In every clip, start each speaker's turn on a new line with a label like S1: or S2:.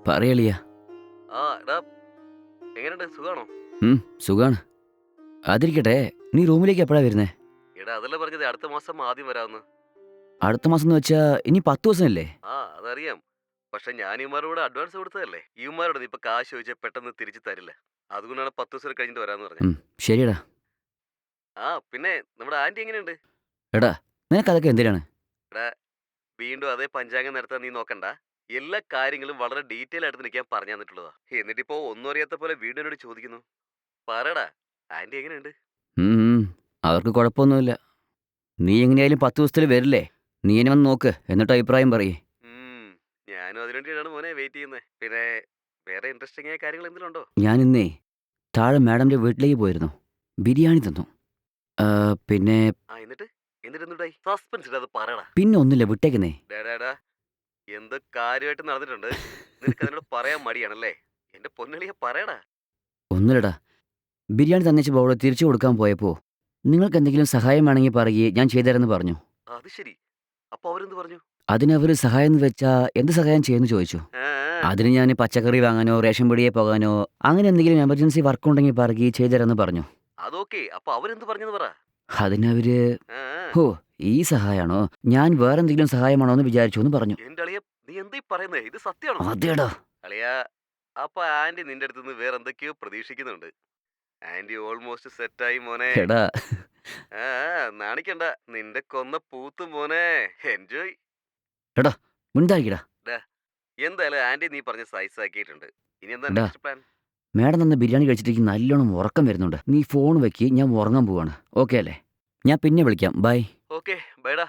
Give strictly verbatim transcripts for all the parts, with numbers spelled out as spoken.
S1: പറയളിയ.
S2: ആ എടാ, എങ്ങനെയുണ്ട്? സുഖാണോ?
S1: ഉം സുഖാണ്. അതിരിക്കട്ടെ, നീ റൂമിലേക്ക് എപ്പോഴാ വരുന്നേ?
S2: എടാ അതല്ലേ പറഞ്ഞത് അടുത്ത മാസം ആദ്യം വരാമെന്ന്.
S1: അടുത്ത മാസം എന്ന് വെച്ചാ ഇനി പത്ത് ദിവസമല്ലേ?
S2: ആ അതറിയാം. പക്ഷെ ഞാൻ ഇവന്മാരോട് അഡ്വാൻസ് കൊടുത്തതല്ലേ. ഇവന്മാരോട് നീ ഇപ്പൊ കാശ് ചോദിച്ചാൽ പെട്ടെന്ന് തിരിച്ചു തരില്ല. അതുകൊണ്ടാണ് പത്ത് ദിവസം കഴിഞ്ഞിട്ട് വരാന്ന് പറഞ്ഞത്.
S1: ഉം ശരിയടാ.
S2: ആ പിന്നെ നമ്മുടെ ആന്റി എങ്ങനെയുണ്ട്?
S1: എടാ, നിനക്കതൊക്കെ എന്തിനാണ്?
S2: എടാ, വീണ്ടും അതേ പഞ്ചാംഗം നടത്താൻ നീ നോക്കണ്ട. എല്ലാ കാര്യങ്ങളും വളരെ ഡീറ്റെയിൽ ആയിട്ട് നിൽക്കാൻ പറഞ്ഞു തന്നിട്ടുള്ളതാ. എന്നിട്ടിപ്പോ ഒന്നും അറിയാത്ത പോലെ വീണ്ടും എന്നോട് ചോദിക്കുന്നു. പറടാ, ആന്റി എങ്ങനെയുണ്ട്?
S1: ഉം ഉം, അവർക്ക് കുഴപ്പമൊന്നുമില്ല. നീ എങ്ങനെയായാലും പത്ത് ദിവസത്തിൽ വരില്ലേ? നീ എന്നെ വന്ന് നോക്ക്, എന്നിട്ട് അഭിപ്രായം പറയേ.
S2: ഉം, ഞാനും അതിനുവേണ്ടിയാണ് മോനെ വെയിറ്റ് ചെയ്യുന്നത്. പിന്നെ വേറെ ഇൻട്രസ്റ്റിംഗ് ആയ കാര്യങ്ങൾ എന്തെങ്കിലും ഉണ്ടോ?
S1: ഞാൻ ഇന്നേ താഴെ മാഡമിൻ്റെ വീട്ടിലേക്ക് പോയിരുന്നു. ബിരിയാണി തന്നു. ആ, പിന്നെ
S2: ആ എന്നിട്ട് എന്നിട്ട് എന്തുണ്ടായി? സസ്പെൻസ് ഇടാതെ പറയടാ.
S1: പിന്നെ ഒന്നുമില്ല, വിട്ടേക്കുന്നേ.
S2: ഡാടാ, എന്ത് കാര്യമായിട്ട് നടന്നിട്ടുണ്ട്? നിനക്ക് അതിനോട് പറയാൻ മടിയാണല്ലേ? എന്റെ പൊന്നളിയെ പറയടാ.
S1: ഒന്നുമില്ലടാ, ബിരിയാണി തന്നേച്ച് ബൗൾ തിരിച്ചു കൊടുക്കാൻ പോയപ്പോൾ നിങ്ങൾക്ക് എന്തെങ്കിലും സഹായം വേണമെങ്കിൽ പറയുകയെ ഞാൻ ചെയ്തുതരാമെന്ന് പറഞ്ഞു.
S2: അത് ശരി. അപ്പൊ അവരെന്ത് പറഞ്ഞു?
S1: അതിനവർ സഹായം എന്ന് വെച്ചാൽ എന്ത് സഹായം ചെയ്യുമെന്ന് ചോദിച്ചു.
S2: ആ,
S1: അതിന് ഞാൻ പച്ചക്കറി വാങ്ങാനോ റേഷൻ പിടിയെ പോകാനോ അങ്ങനെ എന്തെങ്കിലും എമർജൻസി വർക്ക് ഉണ്ടെങ്കിൽ പറയുകയും ചെയ്തുതരാമെന്ന് പറഞ്ഞു.
S2: അതൊക്കെ. അപ്പൊ അവരെന്ത് പറഞ്ഞെന്ന് പറ.
S1: അതിനവര്
S2: ആ, ആ.
S1: ഹോ, ഈ സഹായമാണോ, ഞാൻ വേറെന്തെങ്കിലും സഹായമാണോ എന്ന് വിചാരിച്ചു എന്ന് പറഞ്ഞു.
S2: എന്റെ അളിയ, നീ എന്താ ഈ പറയുന്നേ? ഇത് സത്യമാണോ?
S1: അതേടാ.
S2: അളിയ, അപ്പൊ ആന്റി നിന്റെ അടുത്ത് നിന്ന് വേറെ എന്തൊക്കെയോ പ്രതീക്ഷിക്കുന്നുണ്ട്. ആന്റി ഓൾമോസ്റ്റ് സെറ്റായി മോനെ.
S1: എടാ,
S2: ആ, ആ, നാണിക്കണ്ട. നിന്റെ കൊന്ന പൂത്ത് മോനെ. എൻജോയ്.
S1: എടാ മുണ്ടായിക്കടാ.
S2: എന്തായാലും ആന്റി നീ പറഞ്ഞ സൈസ് ആക്കിയിട്ടുണ്ട്. ഇനി എന്താ
S1: എടാ,
S2: നെക്സ്റ്റ് പ്ലാൻ?
S1: മേഡം തന്ന ബിരിയാണി കഴിച്ചിട്ട് നല്ലോണം ഉറക്കം വരുന്നുണ്ട്. നീ ഫോൺ വെക്ക്, ഞാൻ ഉറങ്ങാൻ പോവാണ്. ഓക്കെ അല്ലേ? ഞാൻ പിന്നെ വിളിക്കാം. ബൈ.
S2: ഓക്കെ ബൈഡാ.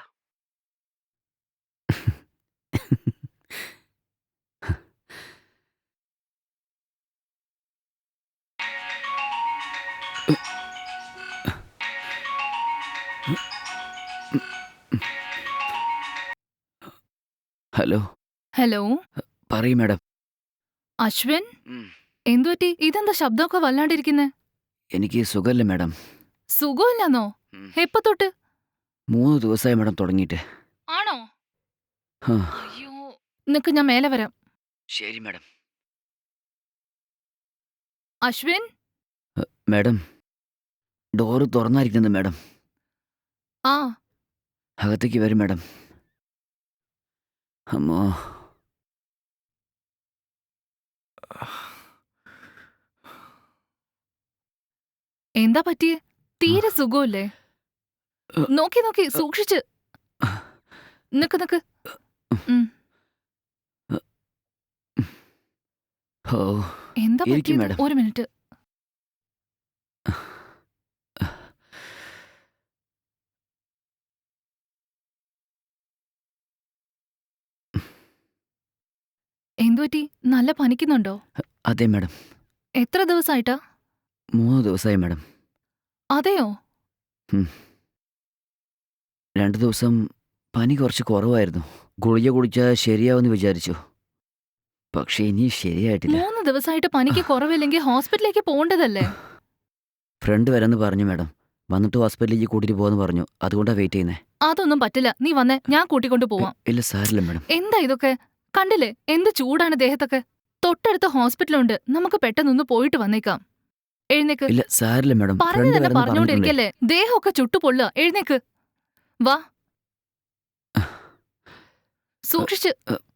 S1: ഹലോ.
S3: ഹലോ
S1: പറയൂ മേഡം.
S3: അശ്വിൻ,
S1: ഉം,
S3: എന്തുപറ്റി? ഇതെന്താ ശബ്ദമൊക്കെ വല്ലാണ്ടിരിക്കുന്നെ?
S1: എനിക്ക് സുഖമല്ല മേഡം.
S3: സുഖമില്ലെന്നോ?
S1: ഉം,
S3: എപ്പ തൊട്ട്?
S1: മൂന്ന് ദിവസമായി മേഡം തുടങ്ങിയിട്ട്.
S3: ആണോ?
S1: ആ,
S3: അയ്യോ, നിക്ക്, ഞാൻ മേലെ വരാം.
S1: ശരി മേഡം.
S3: അശ്വിൻ,
S1: മേഡം, ഡോറ് തുറന്നായിരിക്കുന്നത് മേഡം.
S3: ആ
S1: അകത്തേക്ക് വരും മേഡം. അമ്മോ.
S3: എന്താ പറ്റിയേ? തീരെ സുഖമില്ലേ? നോക്കി നോക്കി സൂക്ഷിച്ച്. നിക്ക് നിക്ക്. ഉം,
S1: ഓ,
S3: എന്താ
S1: ഇരിക്ക്
S3: പറ്റിയത്?
S1: മാഡം.
S3: ഒരു മിനിറ്റ്. എന്തുപറ്റി? നല്ല പനിക്കുന്നുണ്ടോ?
S1: അതെ മേഡം.
S3: എത്ര ദിവസമായിട്ടാ?
S1: മൂന്ന് ദിവസമായി മേഡം.
S3: അതെയോ?
S1: ഉം. രണ്ട് ദിവസം പനി കുറച്ച് കുറവായിരുന്നു. ഗുളിക കുടിച്ചാൽ ശരിയാവുമെന്ന് വിചാരിച്ചു. പക്ഷേ ഇനി ശരിയായിട്ടില്ല.
S3: മൂന്ന് ദിവസമായിട്ട് പനിക്ക് കുറവില്ലെങ്കിൽ ഹോസ്പിറ്റലിലേക്ക് പോകേണ്ടതല്ലേ?
S1: ഫ്രണ്ട് വരാമെന്ന് പറഞ്ഞു മേഡം. വന്നിട്ട് ഹോസ്പിറ്റലിലേക്ക് കൂട്ടിയിട്ട് പോകുമെന്ന് പറഞ്ഞു. അതുകൊണ്ടാണ് വെയിറ്റ് ചെയ്യുന്നത്.
S3: അതൊന്നും പറ്റില്ല. നീ വന്നേ, ഞാൻ കൂട്ടിക്കൊണ്ട് പോവാം.
S1: ഇല്ല സാരില്ല മേഡം.
S3: എന്താ ഇതൊക്കെ? കണ്ടില്ലേ എന്ത് ചൂടാണ് ദേഹത്തൊക്കെ? തൊട്ടടുത്ത ഹോസ്പിറ്റലുണ്ട്, നമുക്ക് പെട്ടെന്നൊന്ന് പോയിട്ട് വന്നേക്കാം. എഴുന്നേക്ക്.
S1: ഇല്ല സാരില്ല മേഡം.
S3: പറഞ്ഞു
S1: ഫ്രണ്ട്
S3: തന്നെ
S1: വരാമെന്ന് പറഞ്ഞിട്ടുണ്ടേ.
S3: പറഞ്ഞോണ്ടിരിക്കല്ലേ, ദേഹമൊക്കെ ചുട്ടുപൊള്ളുക. എഴുന്നേക്ക്, വാ. സൂക്ഷിച്ച്.